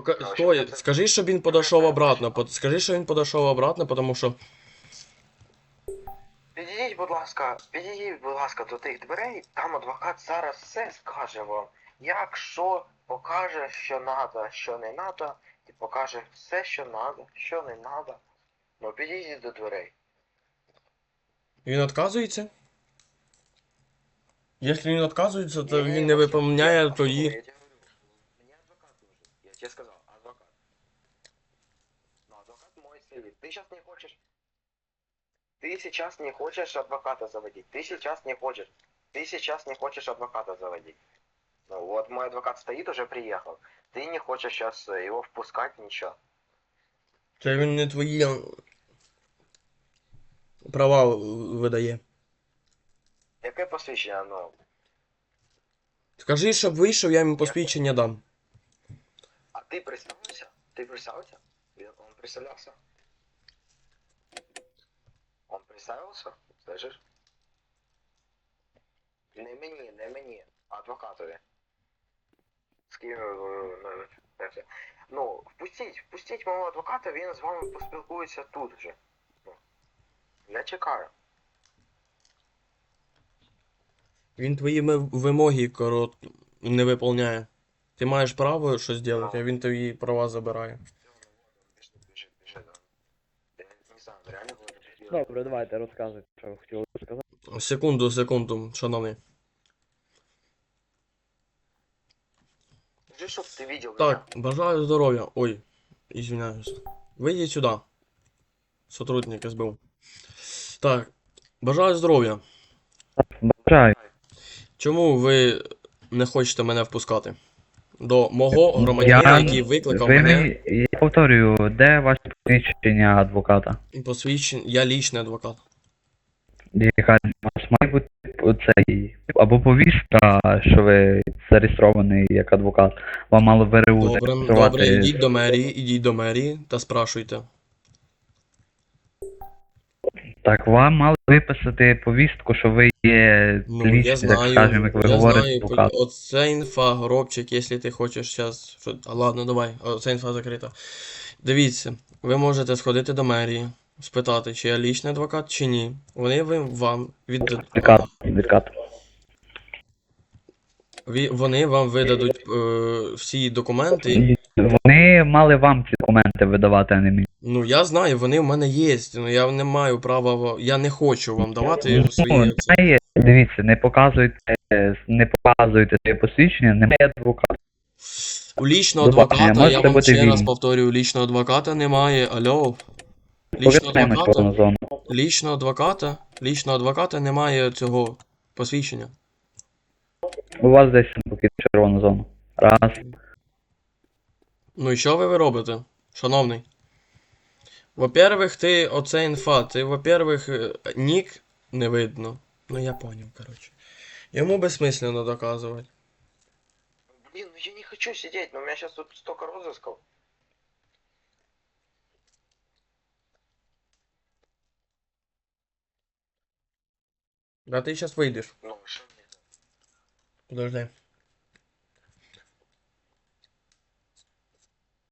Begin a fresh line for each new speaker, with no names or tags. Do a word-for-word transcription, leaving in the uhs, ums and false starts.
Пока...
Ну,
Стой,
що це?
скажи, щоб він подошов обратно. По- Скажи, що він подошов обратно, тому що...
Підійдіть, будь ласка, підійдіть, будь ласка, до тих дверей, там адвокат зараз все скаже вам. Якщо покаже, що надо, що не надо, і покаже все, що надо, що не надо. Ну підійдіть до дверей.
Він відказується? Якщо він відказується, то
Не-не,
він не
Максим,
виповняє
я-
тоді...
я тебе говорю, мне адвокат нужен. Я тебе сказал, адвокат. Но адвокат мой сидит. Ты сейчас не хочешь... Ты сейчас не хочешь адвоката заводить. Ты сейчас не хочешь. Ты сейчас не хочешь адвоката заводить. Ну вот мой адвокат стоит, уже приехал. Ты не хочешь сейчас его впускать, ничего.
Це він не твої права видає.
Яке посвідчення, ну...
Скажи, щоб вийшов, я йому посвідчення дам.
А ты представился? Ты представился? Он представлялся? Он представился? Слышишь? Не мені, не мені, а адвокатові. З ким, е, ну, це. Ну, впустіть, впустіть мого адвоката, він з вами поспілкується тут же. Ну, я чекаю.
Він твої ми- вимоги корот не виповняє. Ти маєш право щось зробити, а він твої права забирає.
Біжи, біжи, біжи, да. Я не знаю, реально було таке.
Добре, давайте розказуйте, що ви хотіли сказати.
Секунду, секунду, шановний.
Скажи, щоб ти видел
Так, бажаю здоров'я. Ой, извиняюсь. Вийдіть сюди. Сотрудник ес бе у. Так, бажаю здоров'я.
Бажаю.
Чому ви не хочете мене впускати? До мого громадянина, який викликав
ви
мене.
мені- Я повторюю, де ваше посвідчення адвоката?
Посвідчення. Я лічний адвокат.
Яка у вас має бути цей або повістка, що ви зареєстрований як адвокат. Вам мало ВРУ
Добре,
зареєструвати.
добре, ідіть до мерії, ідіть до мерії та спрашуйте.
Так, вам мали виписати повістку, що ви є
Ну, я
лічний, так
знаю,
скажемо, як ви
я
говорите,
знаю,
адвокат.
оце інфа, Горобчик, якщо ти хочеш зараз... Що... А, ладно, давай, оце інфа закрита. Дивіться, ви можете сходити до мерії, спитати, чи я лічний адвокат, чи ні. Вони ви, вам віддадуть...
Відкат, відкат.
Ві- Вони вам видадуть е, всі документи.
Вони мали вам ці документи видавати, а не мені.
Ну, я знаю, вони в мене є, ну я не маю права, в- я не хочу вам давати свої...
Ну,
це.
немає, дивіться, не показуйте, не показуйте своє посвідчення, немає адвоката.
У лічного
До побачення,
адвоката, я
можете
вам
бути
ще раз
вільні.
повторюю, лічного адвоката немає, алло. Лічного
Повертаємось в
адвоката,
повну зону.
лічного адвоката, лічного адвоката немає цього посвідчення.
У вас десь поки червону зону. Раз.
Ну і що ви, ви робите, шановний? Во-первых, ти оце інфа, ти, во-первых, е, нік не видно. Ну я поняв, коротше. Йому безсмислено доказувати.
Блин, ну я не хочу сидеть, но у меня сейчас тут столько розысков.
Да ти зараз вийдеш.
Ну, что мне?
Подожди.